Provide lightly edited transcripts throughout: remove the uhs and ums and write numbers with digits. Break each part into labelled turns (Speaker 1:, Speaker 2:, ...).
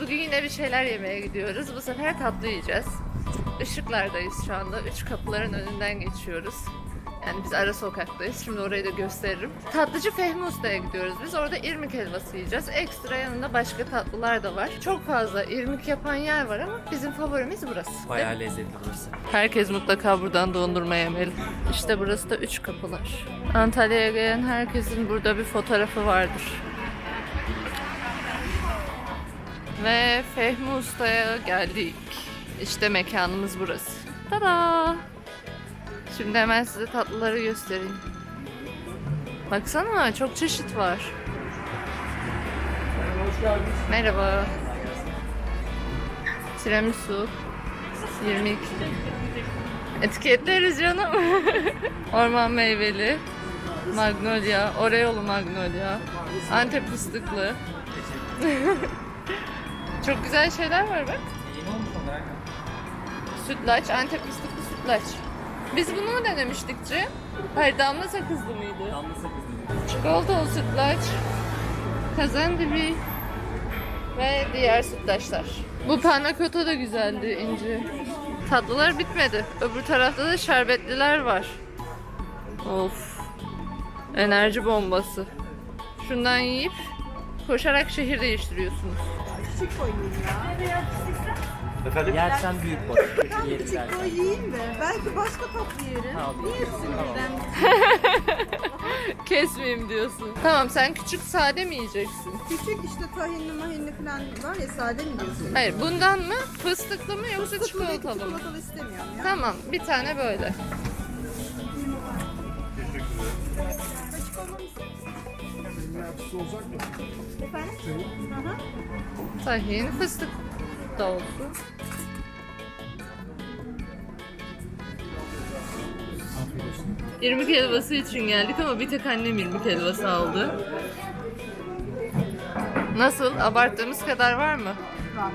Speaker 1: Bugün yine bir şeyler yemeye gidiyoruz. Bu sefer tatlı yiyeceğiz. Işıklardayız şu anda. 3 kapıların önünden geçiyoruz. Yani biz ara sokaktayız. Şimdi orayı da gösteririm. Tatlıcı Fehmi Usta'ya gidiyoruz. Biz orada irmik helvası yiyeceğiz. Ekstra yanında başka tatlılar da var. Çok fazla irmik yapan yer var ama bizim favorimiz burası.
Speaker 2: Bayağı lezzetli burası.
Speaker 1: Herkes mutlaka buradan dondurma yemeli. İşte burası da 3 kapılar. Antalya'ya gelen herkesin burada bir fotoğrafı vardır. Ve Fehmi Usta'ya geldik. İşte mekanımız burası. Tada! Şimdi hemen size tatlıları göstereyim. Baksana çok çeşit var. Merhaba. Tiramisu 22. Etiketleriz canım. Orman meyveli, magnolia, oreolu magnolia, Antep fıstıklı. Çok güzel şeyler var bak. Sütlaç, Antep fıstıklı sütlaç. Biz bunu denemiştik Cem. Hayır, damla sakızlı mıydı?
Speaker 2: Damla sakızlı.
Speaker 1: Çikolatalı sütlaç, kazandibi ve diğer sütlaçlar. Bu panna cotta da güzeldi İnci. Tatlılar bitmedi. Öbür tarafta da şerbetliler var. Of. Enerji bombası. Şundan yiyip koşarak şehir değiştiriyorsunuz.
Speaker 3: Küçük koyayım ya.
Speaker 2: Efendim? Yersen büyük boy.
Speaker 3: Ben küçük koy yiyeyim de. Belki başka tatlı yerim. Niye hepsini birden?
Speaker 1: Kesmeyeyim diyorsun. Tamam, sen küçük sade mi yiyeceksin?
Speaker 3: Küçük işte tahinli mahinli falan var ya, sade mi diyorsun?
Speaker 1: Hayır, bundan mı? Fıstıklı mı yoksa
Speaker 3: Fıstıklı değil,
Speaker 1: çikolatalı mı?
Speaker 3: çikolatalı istemiyorum ya.
Speaker 1: Tamam, bir tane böyle.
Speaker 3: Açık olmamı
Speaker 4: olacak mı?
Speaker 3: Efendim? Hı hı.
Speaker 1: Tahin, fıstık da olsun. İrmik helvası için geldik ama bir tek annem irmik helvası aldı. Nasıl? Abarttığımız kadar var mı?
Speaker 3: Var.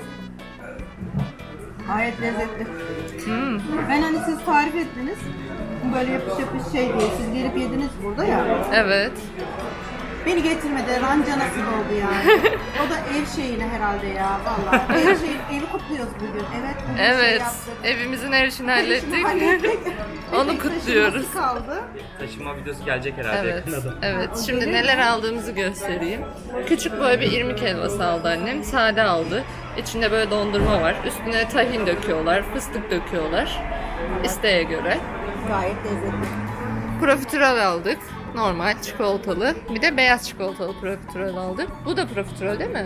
Speaker 3: Gayet lezzetli.
Speaker 1: Hmm.
Speaker 3: Ben hani siz tarif ettiniz. Böyle yapış yapış şey diye. Siz gelip yediniz burada ya.
Speaker 1: Evet.
Speaker 3: Beni getirmedi. Ranca nasıl oldu yani? O da ev şeyine herhalde ya. Vallahi. Evi kutluyoruz bugün. Evet. Bugün şey
Speaker 1: Evet.
Speaker 3: yaptık.
Speaker 1: Evimizin her işini
Speaker 3: Her işini hallettik.
Speaker 1: Onu
Speaker 3: Tek
Speaker 1: kutluyoruz.
Speaker 3: taşıması kaldı.
Speaker 2: Taşıma videosu gelecek herhalde
Speaker 1: Evet.
Speaker 2: yakında da.
Speaker 1: Evet. Şimdi neler aldığımızı göstereyim. Küçük böyle bir irmik helvası aldı annem. Sade aldı. İçinde böyle dondurma var. Üstüne tahin döküyorlar, fıstık döküyorlar. İsteğe göre.
Speaker 3: Gayet lezzetli.
Speaker 1: Profiterol aldık. Normal çikolatalı. Bir de beyaz çikolatalı profiterol aldık. Bu da profiterol değil mi?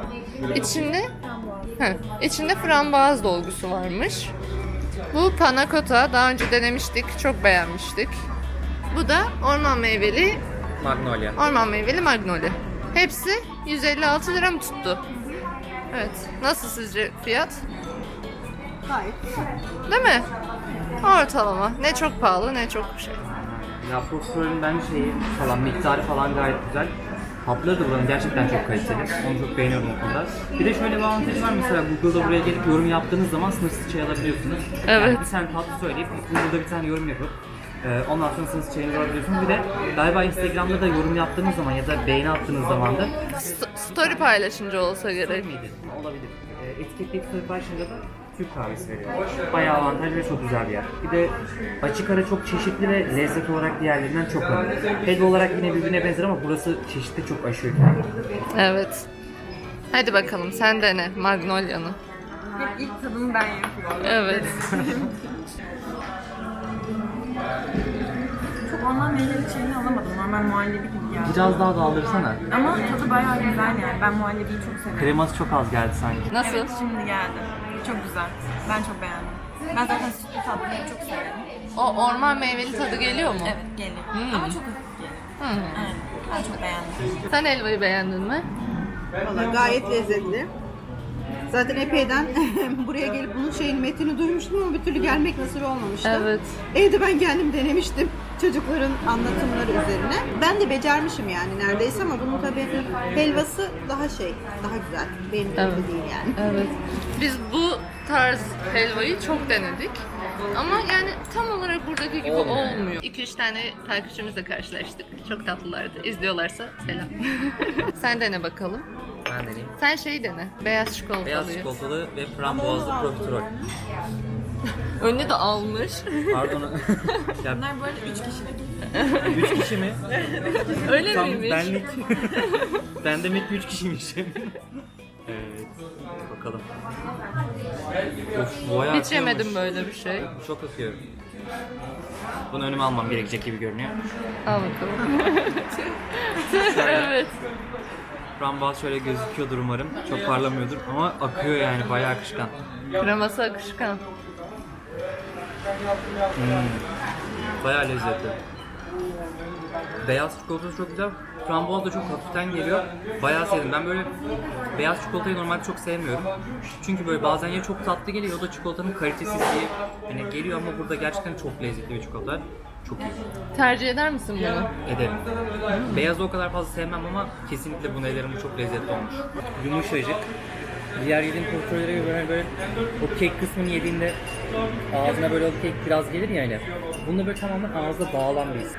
Speaker 1: İçinde frambuaz dolgusu varmış. Bu panna cotta. Daha önce denemiştik. Çok beğenmiştik. Bu da orman meyveli magnolia. Hepsi 156 lira mı tuttu? Evet. Nasıl sizce fiyat?
Speaker 3: Gayet.
Speaker 1: Değil mi? Ortalama. Ne çok pahalı ne çok şey.
Speaker 2: Ya profiterolün bence şeyi falan, miktarı falan gayet güzel. Tatlıları da buranın gerçekten çok kaliteli. Onu çok beğeniyorum o konuda. Bir de şöyle bir avantajı var, mesela Google'da buraya gelip yorum yaptığınız zaman sınırsız çay alabiliyorsunuz.
Speaker 1: Evet.
Speaker 2: Yani bir tane tatlı söyleyip Google'da bir tane yorum yapıp ondan sonra sınırsız çayınızı alabiliyorsunuz. Bir de galiba Instagram'da da yorum yaptığınız zaman ya da beğeni attığınız zaman da
Speaker 1: Story paylaşınca olsa gerek.
Speaker 2: miydi? Olabilir. Etiketleyip story paylaşınca da Türk kahvesi veriyor. Bayağı avantajlı ve çok güzel bir yer. Bir de açık ara çok çeşitli ve lezzet olarak diğerlerinden çok önemli. Helva olarak yine birbirine benzer ama burası çeşitli çok aşıyor kendini.
Speaker 1: Evet. Hadi bakalım sen dene Magnolia'nı.
Speaker 3: İlk tadımı ben yapıyorum.
Speaker 1: Evet.
Speaker 5: Çok ondan meyveli şeyini alamadım. Normal muhallebi gibi geldi.
Speaker 2: Biraz daha daldırsana.
Speaker 5: Ama tadı bayağı güzel yani. Ben muhallebiyi çok seviyorum.
Speaker 2: Kreması çok az geldi sanki.
Speaker 1: Nasıl?
Speaker 5: Evet, şimdi geldi. Çok güzel. Ben çok beğendim. Ben zaten sütlü tatlıları çok severim.
Speaker 1: O orman meyveli tadı geliyor mu?
Speaker 5: Evet, geliyor. Ama çok hafif geliyor. Evet, ben çok beğendim.
Speaker 1: Sen helvayı beğendin mi?
Speaker 3: Valla gayet lezzetli. Zaten epeyden buraya gelip bunun metini duymuştum ama bir türlü gelmek nasip olmamıştı.
Speaker 1: Evet.
Speaker 3: Evde ben kendim denemiştim çocukların anlatımları üzerine. Ben de becermişim yani neredeyse ama bunun tabii helvası daha güzel. Benim gibi
Speaker 1: Evet.
Speaker 3: değil yani.
Speaker 1: Evet. Biz bu tarz helvayı çok denedik. Ama yani tam olarak buradaki gibi olmuyor. 2-3 tane takipçimizle karşılaştık. Çok tatlılardı. İzliyorlarsa selam. Sen dene bakalım.
Speaker 2: Ben deneyeyim.
Speaker 1: Sen şeyi dene. Beyaz çikolatalı.
Speaker 2: Beyaz çikolatalı ve frambuazlı profiterol.
Speaker 1: Önüne de almış.
Speaker 2: Pardon. Ya,
Speaker 5: Bunlar bu arada 3 kişilik.
Speaker 2: 3 kişi mi?
Speaker 1: Öyle
Speaker 2: Tam
Speaker 1: miymiş?
Speaker 2: benlik. Ben demek ki 3 kişiymişim. Evet. Bakalım. Of, bayağı
Speaker 1: Hiç yemedim
Speaker 2: akıyormuş.
Speaker 1: böyle bir şey.
Speaker 2: Çok akıyor. Bunu önüme almam gerekecek gibi görünüyor.
Speaker 1: Al bakalım. Evet.
Speaker 2: Frambuaz şöyle gözüküyordur umarım. Çok parlamıyordur ama akıyor yani bayağı akışkan.
Speaker 1: Kreması akışkan.
Speaker 2: Bayağı lezzetli. Beyaz çikolatası çok güzel. Frambuaz da çok hafiften geliyor. Bayağı sevdim. Ben böyle beyaz çikolatayı normalde çok sevmiyorum. Çünkü böyle bazen ya çok tatlı geliyor ya da çikolatanın kalitesizliği hani geliyor ama burada gerçekten çok lezzetli bir çikolata. Çok iyi.
Speaker 1: Tercih eder misin bunu?
Speaker 2: Ederim. Beyazı o kadar fazla sevmem ama kesinlikle bunu ederim. Bu çok lezzetli olmuş. Yumuşacık. Diğer yediğim profiterolere göre böyle o kek kısmını yediğinde ağzına böyle o kek biraz gelir ya öyle. Bunda böyle tamamen ağızda dağılan bir his.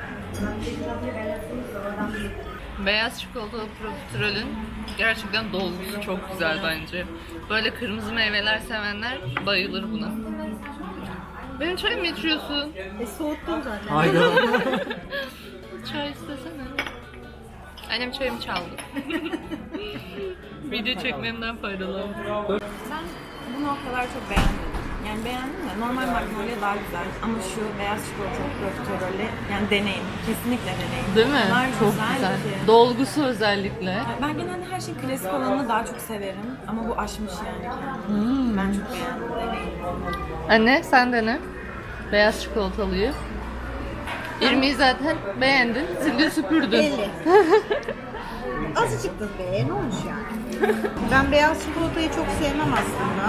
Speaker 1: Beyaz çikolatalı profiterolün gerçekten dolgusu çok güzel bence. Böyle kırmızı meyveler sevenler bayılır buna. Benim çay mı içiyorsun?
Speaker 3: Soğuttum zaten.
Speaker 2: Hayda.
Speaker 1: Çay istesene. Annem çayımı çaldı. Video çekmemden faydalandı.
Speaker 5: Ben bunu o kadar çok beğenmedim. Yani beğendim de normal Magnolia daha güzel. Ama şu beyaz çikolatalı profiterolü yani deneyin. Kesinlikle deneyin.
Speaker 1: Değil mi?
Speaker 5: Bunlar
Speaker 1: Çok güzel.
Speaker 5: ki.
Speaker 1: Dolgusu özellikle.
Speaker 5: Ben genelde her şeyin klasik olanını daha çok severim. Ama bu aşmış yani kendini. Ben çok beğendim. Deneyin.
Speaker 1: Anne sen dene. Beyaz çikolatalıyı. İrmi'yi zaten beğendin. Sildin süpürdün.
Speaker 3: Belli. Azıcık da be, ne olmuş yani? Ben beyaz çikolatayı çok sevmem aslında.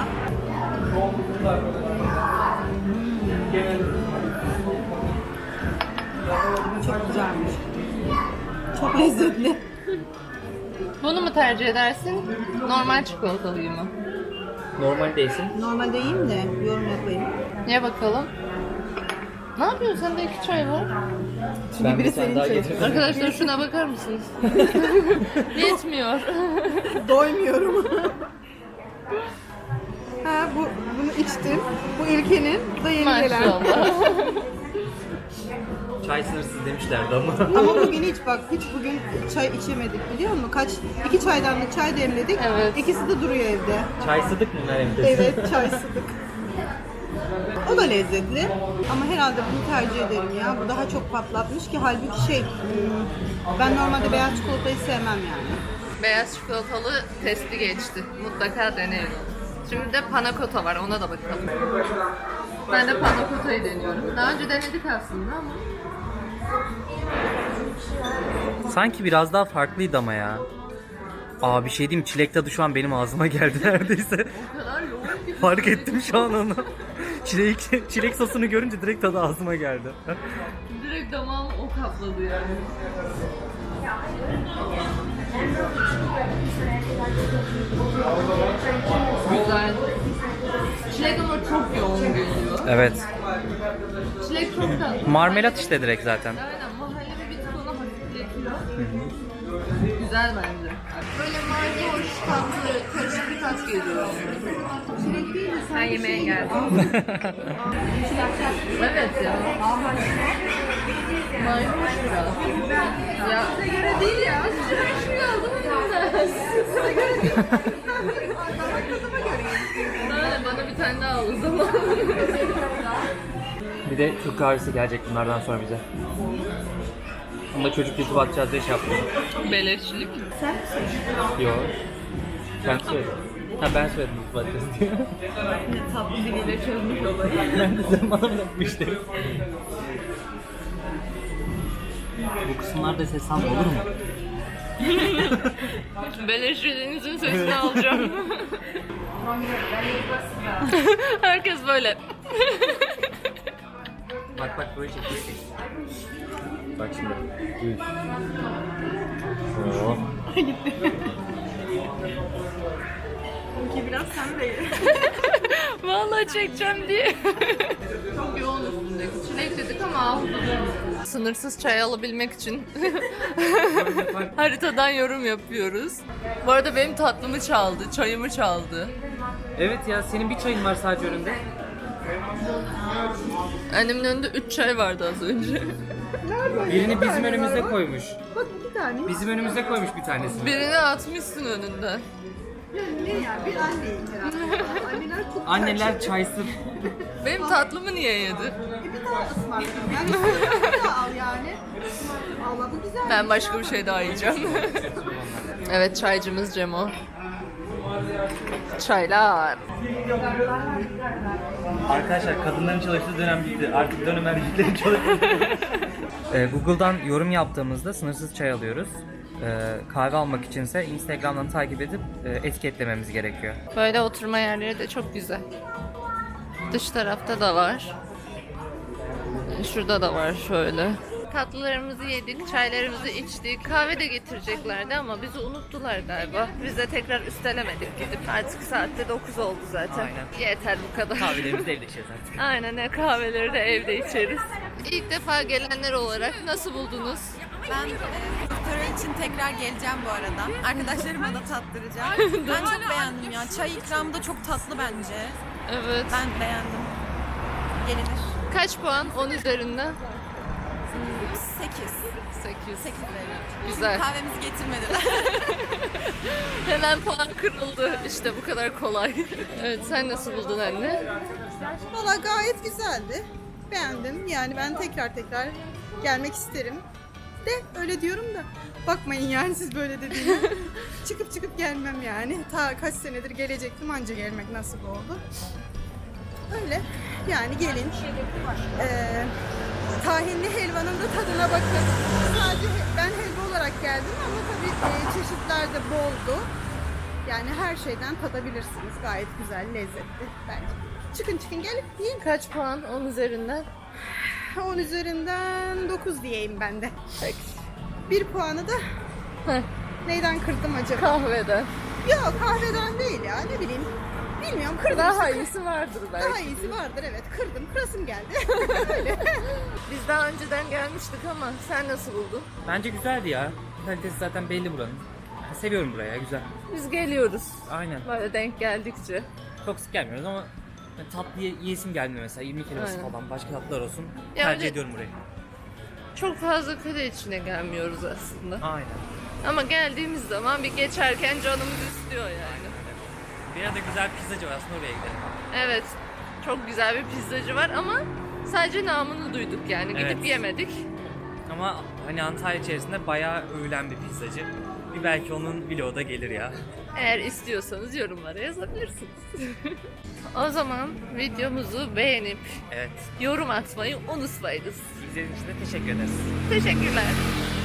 Speaker 3: Çok güzelmiş. Çok lezzetli.
Speaker 1: Bunu mu tercih edersin? Normal çikolatalıyı mı?
Speaker 2: Normal değilsin.
Speaker 3: Normalde yiyeyim de yorum yapayım.
Speaker 1: Ye bakalım. Ne yapıyorsun? Sende 2 çay var.
Speaker 2: Ben
Speaker 3: biri
Speaker 2: bir tane
Speaker 3: senin
Speaker 2: daha
Speaker 3: çayın.
Speaker 2: getirdim.
Speaker 1: Arkadaşlar şuna bakar mısınız? Yetmiyor.
Speaker 3: Doymuyorum. Ha bunu içtim. Bu İlke'nin da yeni gelen.
Speaker 1: Maşallah.
Speaker 2: Çay sınırsız demişlerdi ama.
Speaker 3: Ama bugün hiç bugün çay içemedik biliyor musun? 2 çaydanlık çay demledik.
Speaker 1: Evet.
Speaker 3: İkisi de duruyor evde.
Speaker 2: Çay sıdık mı Meryem'de?
Speaker 3: Evet, çay sıdık. O da lezzetli ama herhalde bunu tercih ederim ya. Bu daha çok patlatmış ki halbuki ben normalde beyaz çikolatayı sevmem yani.
Speaker 1: Beyaz çikolatalı testi geçti. Mutlaka deneyin. Şimdi de panakota var. Ona da bakalım. Ben de panakotayı deniyorum. Daha önce denedik aslında ama.
Speaker 2: Sanki biraz daha farklıydı ama ya. Aa bir şey diyeyim, çilek tadı şu an benim ağzıma geldi neredeyse.
Speaker 1: O kadar yoğun ki.
Speaker 2: Fark ettim şu an onu. Çilek sosunu görünce direkt tadı ağzıma geldi.
Speaker 1: Direkt damağım o kapladı yani. Güzel. Çilek ama çok yoğun geliyor.
Speaker 2: Evet.
Speaker 1: Çilek çok tatlı.
Speaker 2: Marmelat işte direkt zaten.
Speaker 1: Aynen, muhallebi bir tık onu hafifletiyor. Güzel bence. Böyle mayhoş, tatlı, karışık bir tat geliyor. Ben yemeğe geldim. Evet ya. Mayhoş biraz. Ya size göre değil ya. Size göre aldım elimden. Size göre değil. Aynen, bana bir tane daha al o zaman.
Speaker 2: Bir de Türk kahvesi gelecek bunlardan sonra bize. Onu da çocuk YouTube atacağız diye şey yaptım.
Speaker 1: Beleşçilik.
Speaker 2: Yok. Sen söyledin. Ha ben söyledim YouTube atacağız diye.
Speaker 1: Tatlı diliyle çözmüş olayı.
Speaker 2: Ben de zaman bırakmıştım. Bu kısımlarda ses alma olur mu?
Speaker 1: Beleşçiliğinizin sesini alacağım. Herkes böyle.
Speaker 2: Bak bak böyle çekeceksin. Bak şimdi. Üf. Oh.
Speaker 5: Ki biraz sen de ye.
Speaker 1: Vallahi çekeceğim diye. Çok yoğun üstündeki. Çilek dedik ama sınırsız çay alabilmek için haritadan yorum yapıyoruz. Bu arada benim tatlımı çaldı, çayımı çaldı.
Speaker 2: Evet ya, senin bir çayın var sadece önünde.
Speaker 1: Annemin önünde 3 çay vardı az önce.
Speaker 2: Birini bizim önümüze koymuş.
Speaker 3: Bak 2 tane.
Speaker 2: Bizim önümüze koymuş bir tanesini.
Speaker 1: Birini atmışsın önünden.
Speaker 3: Ne ya? Bir anneyim herhalde. Anneler çok
Speaker 2: Anneler çaysız.
Speaker 1: Benim tatlımı niye yedi?
Speaker 3: Bir daha ısmarlayayım. Yani bir daha al yani. Allah bu güzel.
Speaker 1: Ben başka bir şey daha yiyeceğim. Evet, çaycımız Cemo. Çaylar.
Speaker 2: Arkadaşlar, kadınların çalıştığı dönem bitti. Artık dönem erkeklerin çalıştığı. Google'dan yorum yaptığımızda sınırsız çay alıyoruz. Kahve almak içinse Instagram'dan takip edip etiketlememiz gerekiyor.
Speaker 1: Böyle oturma yerleri de çok güzel. Dış tarafta da var. Şurada da var şöyle. Tatlılarımızı yedik, çaylarımızı içtik. Kahve de getireceklerdi ama bizi unuttular galiba. Biz de tekrar üstelemedik gidip. Artık saatte 9 oldu zaten.
Speaker 2: Aynen.
Speaker 1: Yeter bu kadar.
Speaker 2: Kahvelerimizi de evde içeriz artık.
Speaker 1: Aynen, ne kahveleri de evde içeriz. İlk defa gelenler olarak nasıl buldunuz?
Speaker 5: Ben profiterol için tekrar geleceğim bu arada. Arkadaşlarıma da tattıracağım. Ben çok beğendim ya. Çay ikramı da çok tatlı bence.
Speaker 1: Evet.
Speaker 5: Ben beğendim. Gelinir.
Speaker 1: Kaç puan 10 üzerinden?
Speaker 5: 8.
Speaker 1: 8.
Speaker 5: 8 veriyorum.
Speaker 1: Güzel.
Speaker 5: Kahvemizi getirmediler.
Speaker 1: Hemen puan kırıldı. İşte bu kadar kolay. Evet, sen nasıl buldun anne?
Speaker 3: Valla gayet güzeldi. Beğendim. Yani ben tekrar gelmek isterim. De öyle diyorum da bakmayın yani siz böyle dediğime. çıkıp gelmem yani. Ta kaç senedir gelecektim, anca gelmek nasip oldu. Öyle yani gelin. Tahinli helvanın da tadına bakın. Sadece ben helva olarak geldim ama tabii çeşitler de boldu. Yani her şeyden tadabilirsiniz. Gayet güzel, lezzetli bence. Çıkın gelip yiyin.
Speaker 1: Kaç puan 10 üzerinden?
Speaker 3: 10 üzerinden 9 diyeyim ben de.
Speaker 1: Peki.
Speaker 3: 1 puanı da
Speaker 1: Heh,
Speaker 3: neyden kırdım acaba?
Speaker 1: kahveden.
Speaker 3: Yok, kahveden değil ya, ne bileyim. Bilmiyorum, kırdım.
Speaker 1: Daha
Speaker 3: işte.
Speaker 1: iyisi vardır belki.
Speaker 3: Daha iyisi vardır, evet. Kırdım, kırasım geldi. Öyle.
Speaker 1: Biz daha önceden gelmiştik ama sen nasıl buldun?
Speaker 2: Bence güzeldi ya. Kalitesi zaten belli buranın. Seviyorum burayı ya, güzel.
Speaker 1: Biz geliyoruz.
Speaker 2: Aynen.
Speaker 1: Böyle denk geldikçe.
Speaker 2: Çok sık gelmiyoruz ama tatlı yiyesim gelmiyor mesela. 20 kelimesi
Speaker 1: Aynen.
Speaker 2: falan, başka tatlılar olsun.
Speaker 1: Ya
Speaker 2: Tercih
Speaker 1: öyle-
Speaker 2: ediyorum burayı.
Speaker 1: Çok fazla kale içine gelmiyoruz aslında.
Speaker 2: Aynen.
Speaker 1: Ama geldiğimiz zaman bir geçerken canımız istiyor yani.
Speaker 2: Bir yerde güzel pizzacı var, aslında oraya gidelim.
Speaker 1: Evet. Çok güzel bir pizzacı var ama sadece namını duyduk yani. Gidip
Speaker 2: Evet.
Speaker 1: yemedik.
Speaker 2: Ama hani Antalya içerisinde bayağı övülen bir pizzacı. Bir belki onun vlogu da gelir ya.
Speaker 1: Eğer istiyorsanız yorumlara yazabilirsiniz. O zaman videomuzu beğenip
Speaker 2: Evet.
Speaker 1: yorum atmayı unutmayınız.
Speaker 2: İzlediğiniz için de teşekkür ederiz.
Speaker 1: Teşekkürler.